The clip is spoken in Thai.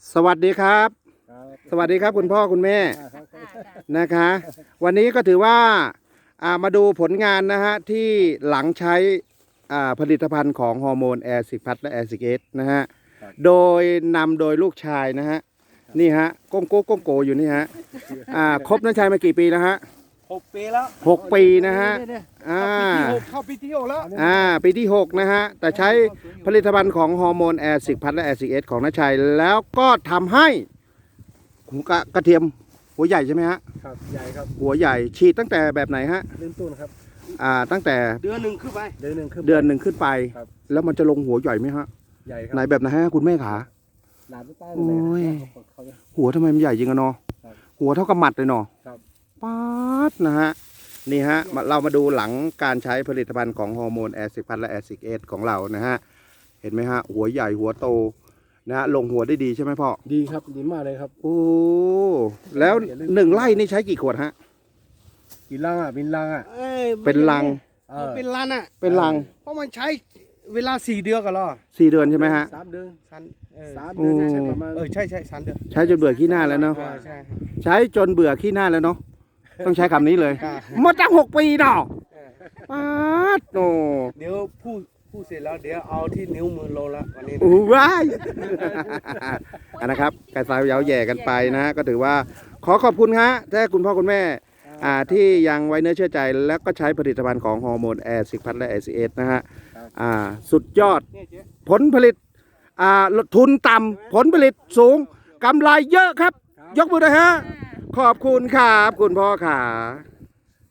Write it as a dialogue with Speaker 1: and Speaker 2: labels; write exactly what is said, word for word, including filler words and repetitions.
Speaker 1: สวัสดีครับ
Speaker 2: ครับ
Speaker 1: สวัสดีครับคุณพ่อคุณแม่
Speaker 2: อ่าครับครับ
Speaker 1: นะคะ วันนี้ก็ถือว่าอ่ามาดูผลงานนะฮะที่หลังใช้อ่าผลิตภัณฑ์ของฮอร์โมนแอร์ซิพัทและแอร์ซิเอสนะฮะโดยนำโดยลูกชายนะฮะนี่ฮะก้งโก้ก้งโกอยู่นี่ฮะอ่าครบน้าชายมากี่ปีแล้วฮะ
Speaker 3: หกปีแล้ว
Speaker 1: หกปีนะฮะอ่า
Speaker 3: เข้าปีที่หกแล้ว
Speaker 1: อ่าปีที่หกนะฮะแต่ใช้ผลิตภัณฑ์ของฮอร์โมนแอร์ซิพัทและแอร์ซิเอสของน้าชัยแล้วก็ทำให้หูกระกระเทียมหัวใหญ่ใช่ไหมฮะ
Speaker 2: ครับใหญ่ครับ
Speaker 1: หัวใหญ่ฉีดตั้งแต่แบบไหนฮะ
Speaker 2: เริ่มต้นครับ
Speaker 1: อ่าตั้งแต่
Speaker 3: เดือนหนึ่งขึ้นไป
Speaker 2: เดือนหนึ่งขึ้น
Speaker 1: เดือนหนึ่งขึ้นไป
Speaker 2: ครับ
Speaker 1: แล้วมันจะลงหัวใหญ่ไหมฮะ
Speaker 2: ใหญ่ครั
Speaker 1: ไหนแบบไหนฮะคุณแม่ขา
Speaker 2: หลานใต้
Speaker 1: โอ้ย
Speaker 2: เขา
Speaker 1: หัวทำไมมันใหญ่จริงอะเนาะ
Speaker 2: ครับ
Speaker 1: หัวเท่ากับหมัดเลยเนาะ
Speaker 2: ครับ
Speaker 1: ป๊าดนะฮะนี่ฮะมาเรามาดูหลังการใช้ผลิตภัณฑ์ของฮอร์โมนแอร์ซิพัทและแอร์ซิเอสของเรานะฮะเห็นไหมฮะหัวใหญ่หัวโตนะฮะลงหัวได้ดีใช่ไหมพ่อ
Speaker 2: ดีครับดีมากเลยครับ
Speaker 1: โอ้แล้วหนึ่งไร่นี่ใช้กี่ขวดฮะ
Speaker 2: กินลังอ่ะเป็นลังอ่ะ
Speaker 3: อ้ย
Speaker 1: เป็นลัง
Speaker 2: เอ
Speaker 3: มัน
Speaker 2: อ
Speaker 3: เป็นลันอ่ะ
Speaker 1: เป็นลัง
Speaker 3: เพราะมันใช้เวลาสี่เดือนกันหรอ
Speaker 1: สี่เดือนใช่ไหมฮะ
Speaker 2: สามเดือน
Speaker 3: สันเออ
Speaker 2: สามเดือน
Speaker 1: โอ้
Speaker 2: ใช่ประมาณ
Speaker 3: เออใช่ใช่สันเดือน
Speaker 1: ใช้จนเบื่อขี้หน้าแล้วเนาะ
Speaker 3: เออใช่
Speaker 1: ใช้จนเบื่อขี้หน้าแล้วเนาะต้องใช้คำนี้เลย
Speaker 3: ครับ
Speaker 1: หมาตั้งหกปีเนาะ
Speaker 3: เออ
Speaker 1: ป๊าดโอ้
Speaker 3: เดี๋ยวพูดพูดเสร็จแล้วเดี๋ยวเอาที่นิ้วมือลงแล้ววันนี้นะ
Speaker 1: อู้ว้ายอันนะครับกระสายยาวแย่กันไปนะก็ถือว่าขอขอบคุณฮะถ้าคุณพ่อคุณแม่อ่าที่ยังไว้เนื้อเชื่อใจ แล้วก็ใช้ผลิตภัณฑ์ของฮอร์โมนแอร์ซิพัทและแอร์ซีเอสนะฮะอ่าสุดยอด
Speaker 3: เนี่ยเจ๊
Speaker 1: ผลผลิตอ่าทุนต่ำผลผลิตสูงกำไรเยอะครับ ยกมือเลยฮะ ขอบคุณครับ คุณพ่อขา